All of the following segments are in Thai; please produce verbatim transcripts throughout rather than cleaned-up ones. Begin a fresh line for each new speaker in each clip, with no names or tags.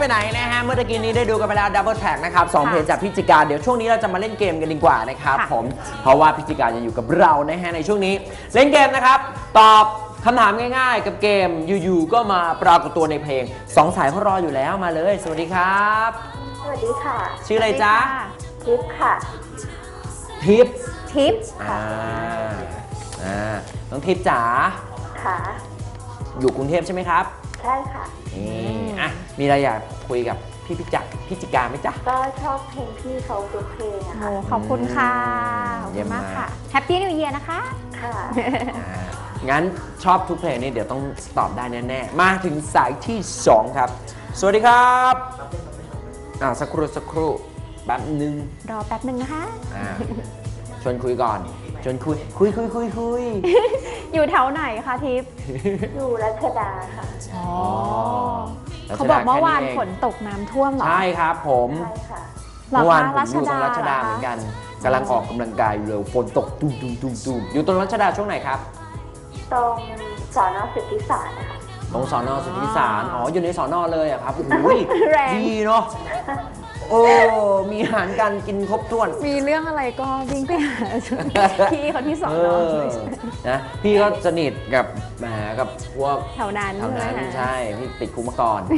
ไหนนะฮะเมื่อตะกี้นี้ได้ดูกันไปแล้วดับเบิลแท็กนะครับสองเพลงจากพิจิการเดี๋ยวช่วงนี้เราจะมาเล่นเกมกันดีกว่านะครับผมเพราะว่าพิจิการยังอยู่กับเรานะฮะในช่วงนี้เล่นเกมนะครับตอบคำถามง่ายๆกับเกมอยู่ๆก็มาปรากฏตัวในเพลงสองสายเขารออยู่แล้วมาเลยสวัสดีครับ
สวัสดีค่ะ
ชื่ออะไรจ๊ะ
ทิพย์ค่ะ
ทิพย์
ทิพย์
อ่าอ่าน้องทิพย์จ๋า
ค่ะ
อยู่กรุงเทพใช่ไหมครับ
ใช่ค่ะ
นี่อ่ะมีอะไรอยากคุยกับพี่พิจักพิจิการไหมจ๊ะ
ก็ชอบเพลงพี่เขาทุกเพลงอะค่ะ
ขอบคุณค่ะขอบคุณมากค่ะแฮปปี้นิวเยียร์นะคะ
ค่ะ
งั้นชอบทุกเพลงนี่เดี๋ยวต้องตอบได้แน่ๆมาถึงสายที่สองครับสวัสดีครับอ่าสักครู่สักครู่แป๊บนึง
รอแป๊บนึงนะคะ
อ่าชวนคุยก่อนชวนคุยคุยคุยคุยคุย
อยู่แถวไหนคะทิพย์
อยู่รัชดาค่ะ
อ๋อเขาบอกเมื่อวานฝนตกน้ำท่วมเหรอ
ใช่ครับผม
ใช่ค่ะ
เมื่อวานผมอยู่ตรงรัชดาเหมือนกันกำลังออกกำลังกายอยู่เลยฝนตกตุ้มตุ้มตุ้มตุ้มอยู่ตรงรัชดาช่วงไหนครับ
ตรงสอนอสุทธิสารนะคะ
ตรงสอนอสุทธิสารอ๋ออยู่ในสอนอเลยอะครับโอ้ยดีเนาะโอ้มีอาหารการกินครบถ้วน
มีเรื่องอะไรก็วิ่งไปหาพี่เขาที่สอนอ
นะพี่ก็สนิทกับแหมกับพวก
แถวนั้น
แถวนั้นใช่พี่ติดคุกมาก่อน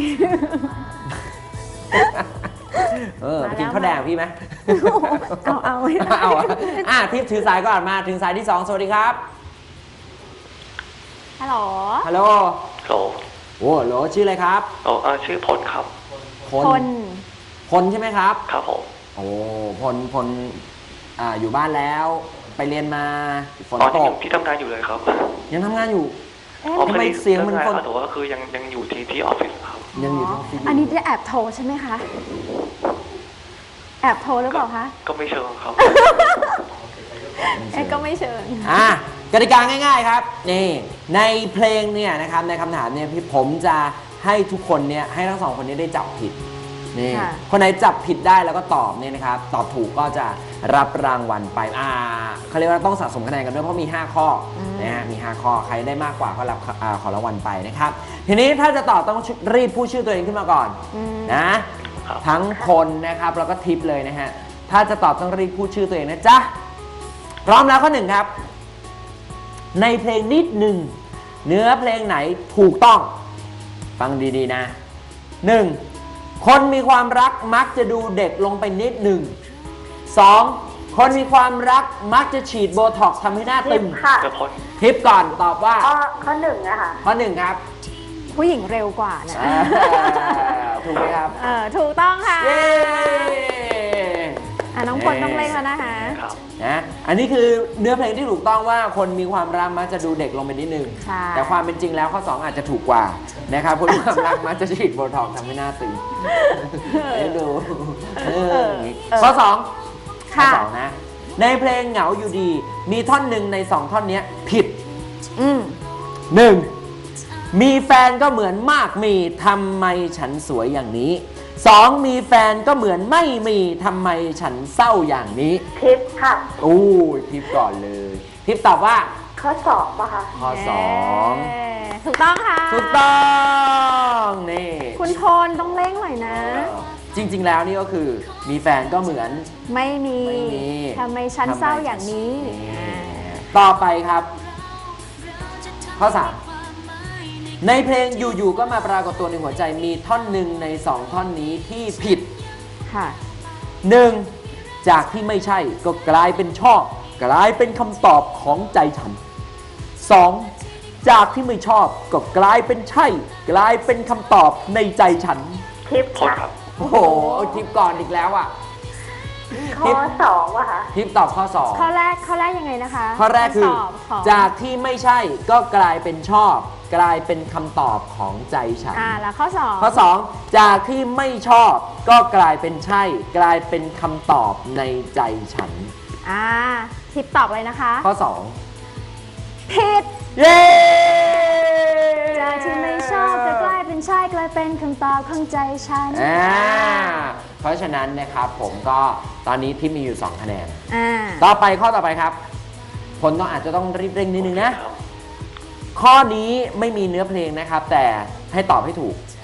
เออกินข้าวแดงพี่ไหม
เอาเอา
เอาอ่ะทิพย์ถือสายก่อนมาถึงสายที่สองสวัสดีครับ
ฮัลโหล
ฮัลโหล
โหล
โอ้โหลชื่ออะไรครับ
โอ้ชื่อพลครับ
พลพลใช่ไหมครับ
ครับผม
โอ้พลพลอ่าอยู่บ้านแล้วไปเรียนมาฝนตก
พี่ทำงานอยู่เลยครับ
ยังทำงานอยู่ทำไมเสียงมันคน
แต่ว่าคือยังยังอยู่ที่ที่ออฟฟิศครับ
ยังอยู่ที่ออฟฟิศ
อันนี้จะแอบโทรใช่ไหมคะแอบโทรหรือเปล่าคะ
ก็ไม่เชิงครับ
เอ๊ะก็ไม่เชิง
อ่ะกติกาง่ายๆครับนี่ในเพลงเนี่ยนะครับในคำถามเนี่ยพี่ผมจะให้ทุกคนเนี่ยให้ทั้งสองคนนี้ได้จับผิดนี่คนไหนจับผิดได้แล้วก็ตอบเนี่ยนะครับตอบถูกก็จะรับรางวัลไปอ่าเขาเรียกว่าต้องสะสมคะแนนกันด้วยเพราะมีห้าข้อนะฮะมีห้าข้อใครได้มากกว่าก็รับของรางวัลไปนะครับทีนี้ถ้าจะตอบต้องรีบพูดชื่อตัวเองขึ้นมาก่อนนะทั้งคนนะครับแล้วก็ทิปเลยนะฮะถ้าจะตอบต้องรีบพูดชื่อตัวเองนะจ๊ะพร้อมแล้วข้อหนึ่งครับในเพลงนิดหนึ่งเนื้อเพลงไหนถูกต้องฟังดีๆนะหนึ่งคนมีความรักมักจะดูเด็กลงไปนิดหนึ่งสองคนมีความรักมักจะฉีดโบท็อกซ์ทำให้หน้าตึงทิปก่อนตอบว่า
ข้อหนึ่งนะคะ
ข้อหนึ่งครับ
ผู้หญิงเร็วกว่านะ
ถูกไหมครับ
เออถูกต้องค่ะ
เย้
อ่ะน้องพลต้องเล่นแล้วนะคะ
นะอันนี้คือเนื้อเพลงที่ถูกต้องว่าคนมีความรักมักจะดูเด็กลงไปนิดนึงแต่ความเป็นจริงแล้วข้อสองอาจจะถูกกว่านะครับคนมีความรักมักจะฉีดโบท็อกซ์ทำให้หน้าตึงให้ดูข้อสองข้อสองนะในเพลงเหงาอยู่ดีมีท่อนหนึ่งในสองท่อนนี้ผิดหนึ่งมีแฟนก็เหมือนมากมีทำไมฉันสวยอย่างนี้สองมีแฟนก็เหมือนไม่มีทำไมฉันเศร้าอย่างนี้
ทิปค่ะ
โอ้ยทิปก่อนเลยทิปตอบว่า
ข้อสองป่ะคะ
ข้อสอง
ถูกต้องค่ะ
ถูกต้องนี่
คุณพลต้องเร่งหน่อยนะ
จริงๆแล้วนี่ก็คือมีแฟนก็เหมือน
ไม่มีทำไมฉันเศร้าอย่างนี้
ต่อไปครับข้อสามในเพลงอยู่ๆก็มาปรากฏตัวในหัวใจมีท่อนหนึ่งในสองท่อนนี้ที่ผิด
ค่ะ
หนึ่งจากที่ไม่ใช่ก็กลายเป็นชอบกลายเป็นคำตอบของใจฉันสองจากที่ไม่ชอบก็กลายเป็นใช่กลายเป็นคำตอบในใจฉัน
ทิปค่ะ
โอ้โหทิปก่อนอีกแล้วอ่ะ
ข้อสองว่ะคะ
ทิปตอบข้อสอง
ข้อแรกข้อแรกยังไงนะคะ
ข้อแรกคือจากที่ไม่ใช่ก็กลายเป็นชอบกลายเป็นคำตอบของใจฉัน
อ่าแล้วข้อสอง
ข้อสองจากที่ไม่ชอบก็กลายเป็นใช่กลายเป็นคำตอบในใจฉัน
อ่าทิปตอบเลยนะคะ
ข้อสอง
ผิด
เย้
จากที่ไม่ชอบจะกลายเป็นใช่กลายเป็นคำตอบของใจฉัน
อ่าเพราะฉะนั้นนะครับผมก็ตอนนี้ทิปมีอยู่สองคะแนน
อ่า
ต่อไปข้อต่อไปครับผลต้องอาจจะต้องรีบเร่งนิดนึงนะข้อนี้ไม่มีเนื้อเพลงนะครับแต่ให้ตอบให้ถูก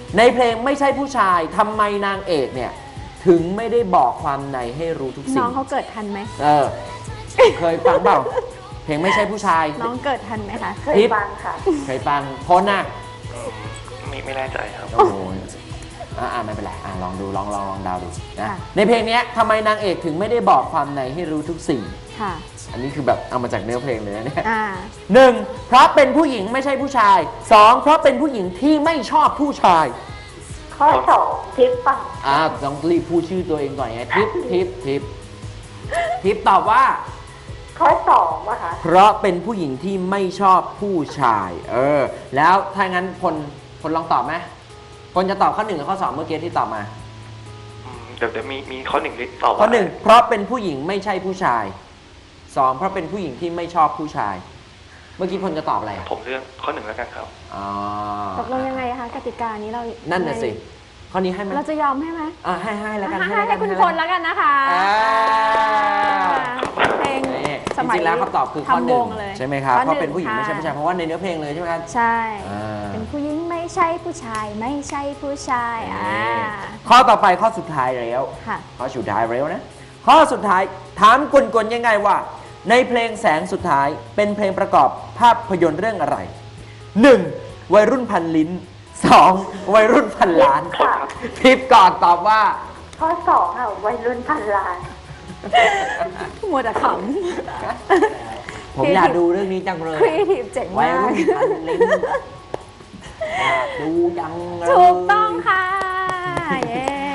ในเพลงไม่ใช่ผู้ชายทำไมนางเอกเนี่ยถึงไม่ได้บอกความในให้รู้ทุกสิ่
น้อง งเขาเกิดทันไหม
เออ เคยฟังเปล่า เพลงไม่ใช่ผู้ชาย
น้องเกิดทันไหมคะ
เคยฟังค่ะ
เคยฟังพ้นน่ะ
ไม่ไม่แน่ใจครับ
โอ้โหอ่าอ่าไม่เป็นไรอ่าลองดูลองลองลองเดาดูนะ
ค่ะ
ในเพลงเนี้ยทำไมนางเอกถึงไม่ได้บอกความในให้รู้ทุกสิ่ง
ค่ะ
อันนี้คือแบบเอามาจากเนื้อเพลงเลยนะเนี่ย
อ่า
หนึ่งเพราะเป็นผู้หญิงไม่ใช่ผู้ชายสองเพราะเป็นผู้หญิงที่ไม่ชอบผู้ชาย
ข้อสองทิปปัง
อ่าต้องรีบพูดชื่อตัวเองก่อนไงทิปทิปทิปทิปตอบว่า
ข้อสองอะค่ะ
เพราะเป็นผู้หญิงที่ไม่ชอบผู้ชาย เออ แล้วถ้างั้นพลพลลองตอบไหมพลจะตอบข้อหนึ่งหรือข้อสองเมื่อกี้ที่ตอบมา
อืมเดี๋ยวเดี๋ยวมีมีข้อหนึ่งที่ตอบว่า
ข้อหนึ่งเพราะเป็นผู้หญิงไม่ใช่ผู้ชายสองเพราะเป็นผู้หญิงที่ไม่ชอบผู้ชาย เมื่อกี้พลจะตอบอะไรอ่ะ
ผมเลือกข้อหนึ่งแล้วกันครับ
อ๋อ
ตกลงยังไงคะกติกานี้เรา
นั่
นั่
นน่ะสิข้อนี้ให้ไหม
เราจะยอมให้ไหม
อ่าให้ให้แล้วกัน
ให้
แล้ว
ให้
กัน
คุณ
แล้ว
พ
กัน
ลแล้วกันนะคะ
อ่า
เพลง
นี่
ส
จ
มัย
ริงๆแล้วคำตอบคือข้อหนึ่
ทำว
ง
เลย
ใช่ไหมครับ
ข้อ
เพราะเป็นผู้หญิง
ค่ะ
ไม่ใช่ผู้ชายเพราะว่าในเนื้อเพลงเลยใช่ไหมครับ
ใช่
อ่า
เป็นผู้หญิงไม่ใช่ผู้ชายไม่ใช่ผู้ชายอ่า
ข้อต่อไปข้อสุดท้ายแล้ว
ค่ะ
ข้อสุดท้ายแล้วนะ ข้อสุดท้ายถามกวนๆยังไงว่า ในเพลงแสงสุดท้ายเป็นเพลงประกอบภาพยนตร์เรื่องอะไร หนึ่ง วัยรุ่นพันลิ้น สอง วัยรุ่นพันล้าน
ค่ะ
ทิปก่อนตอบว่า
ข้อสองอะวัยรุ่นพันล้าน
มัวแต่ข
ผมอยากดูเรื่องนี้จังเล
ำ
ย
ครีเอทีฟเจ๋ง
วัย
มาก
รุ่นพันลิ้นอยากดูจังเลย
ถูกต้องค่ะ เย้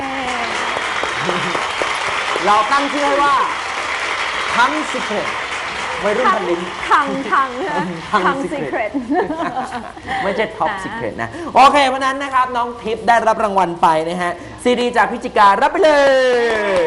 เราตั้งชื่อให้ว่าทั้งสิเกรตวัยรุ่นพันลิ้น
ทังทังนะ
ทัง
ทัง
Secret
ซีเครต
ไม่ใช่ท็อป
นะ
สิเกรตนะ โอเคเพราะนั้นนะครับ น้องทิพย์ได้รับรางวัลไปนะฮะ ซีดีจากพิจิการรับไปเลย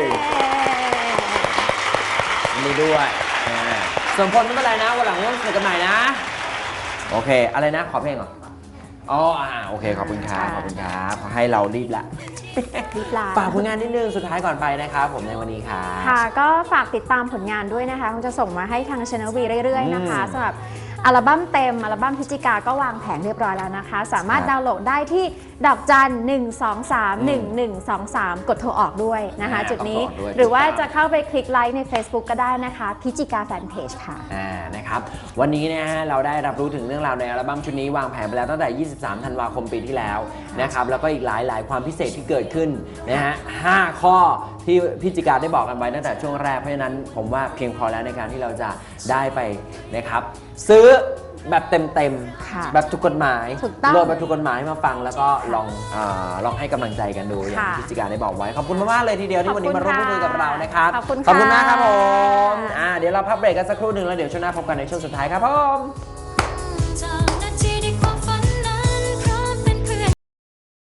มีด้วยอ่าส่วนพลไม่เป็นไรนะ วันหลังร่วมสนุกกันใหม่นะ โอเค อะไรนะ ขอเพลงเหรอ อ๋ออ่าโอเค ขอบคุณครับ ขอบคุณครับขอให้เรารีบละ
รีบลา
ฝากผลงานนิดนึงสุดท้ายก่อนไปนะครับผมในวันนี้ครับ
ค่ะก็ฝากติดตามผลงานด้วยนะคะคงจะส่งมาให้ทาง Channel V เรื่อยๆนะคะ
อืม
สำหรับอัลบั้มเต็มอัลบั้มพฤศจิกาก็วางแผงเรียบร้อยแล้วนะคะ สามารถ
ครับ
ดาวน์โหลดได้ที่ดอกจันหนึ่งสองสามหนึ่งหนึ่งสองสามกดโทรออกด้วยนะคะ
อ่า
จุดนี้
กดโทรออกด้วย
หรือว่า
ติดตาม
จะเข้าไปคลิกไลค์ใน Facebook ก็ได้นะคะพิจิกาแฟนเพจค่ะ
อ่านะครับวันนี้นะฮะเราได้รับรู้ถึงเรื่องราวในอัลบั้มชุดนี้วางแผนไปแล้วตั้งแต่ ยี่สิบสาม ธันวาคมปีที่แล้วนะครับแล้วก็อีกหลายหลายความพิเศษที่เกิดขึ้นนะฮะห้าข้อที่พิจิกาได้บอกกันไว้ตั้งแต่ช่วงแรกเพราะฉะนั้นผมว่าเพียงพอแล้วในการที่เราจะได้ไปนะครับซื้อแบบเต็ม
ค่ะ
ๆแบบถูกกฎหมาย
ถูกต้อง
โหลดแบบถูกกฎหมายมาฟังแล้วก็ลองอาลองให้กำลังใจกันดูอย่าง
ค่ะ
ที่พิจิกาได้บอกไว้ขอบคุณมากๆเลยทีเดียวที่วันนี้มาร่วมพูดคุยกับเรานะครับ
ขอบคุณค่ะ
ขอบคุณมากครับผมอ่าเดี๋ยวเราพักเบรกกันสักครู่หนึ่งแล้วเดี๋ยวช่วงหน้าพบกันในช่วงสุดท้ายครับผม